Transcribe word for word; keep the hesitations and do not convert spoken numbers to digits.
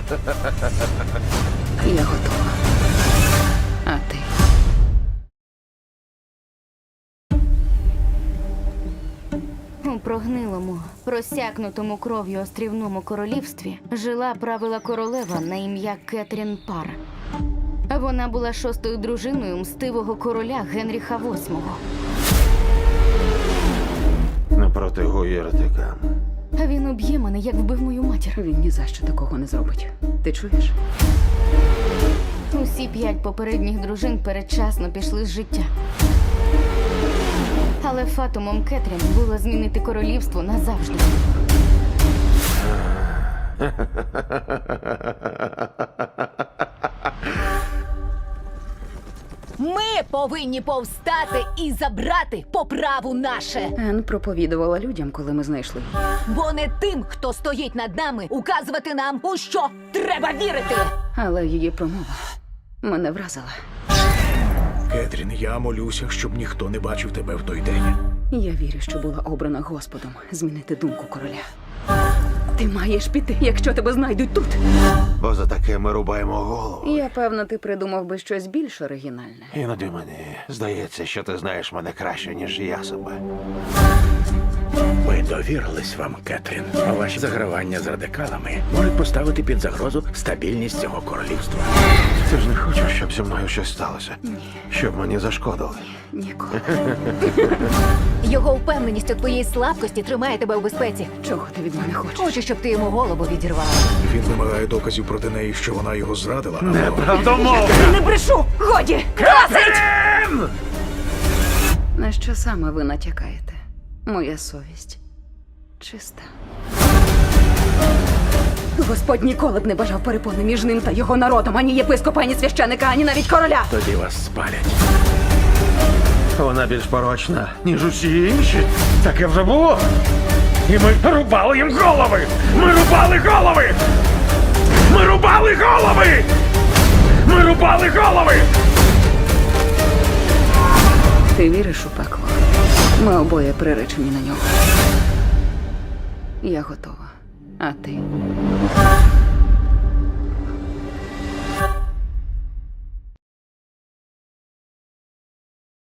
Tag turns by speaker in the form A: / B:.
A: Я готова. А ти?
B: У прогнилому, просякнутому кров'ю острівному королівстві жила правила королева на ім'я Кетрін Пар. Вона була шостою дружиною мстивого короля Генріха восьмого.
C: Напроти гуєртика.
B: А він уб'є мене, як вбив мою матір.
A: Він ні за що такого не зробить. Ти чуєш?
B: Усі п'ять попередніх дружин передчасно пішли з життя. Але фатумом Кетрін було змінити королівство назавжди.
D: Ми повинні повстати і забрати по праву наше.
A: Ен проповідувала людям, коли ми знайшли її.
D: Бо не тим, хто стоїть над нами, указувати нам, у що треба вірити.
A: Але її промова мене вразила.
E: Кетрін, я молюся, щоб ніхто не бачив тебе в той день.
A: Я вірю, що була обрана Господом змінити думку короля. Ти маєш піти, якщо тебе знайдуть тут.
C: Бо за таке ми рубаємо голову.
A: Я певна, ти придумав би щось більш оригінальне.
C: Іноді мені здається, що ти знаєш мене краще, ніж я себе.
E: Ми довірились вам, Кетрін. А ваші загравання з радикалами можуть поставити під загрозу стабільність цього королівства.
C: Ти ж не хочеш, щоб зі мною щось сталося? Ні. Щоб мені зашкодили?
A: Ніколи.
D: Його впевненість у твоїй слабкості тримає тебе у безпеці.
A: Чого ти від мене хочеш?
D: Хочу, щоб ти йому голову відірвала.
E: Він вимагає доказів проти неї, що вона його зрадила.
C: Неправдомовно!
D: Не брешу! Годі!
A: На що саме ви натякаєте? Моя совість чиста. Господь ніколи б не бажав перепони між ним та його народом, ані єпископа, ані священика, ані навіть короля.
E: Тоді вас спалять.
C: Вона більш порочна, ніж усі інші. Таке вже було. І ми рубали їм голови! Ми рубали голови! Ми рубали голови! Ми рубали голови!
A: Ти віриш у пекло? Ми обоє приречені на нього. Я готова. А ти?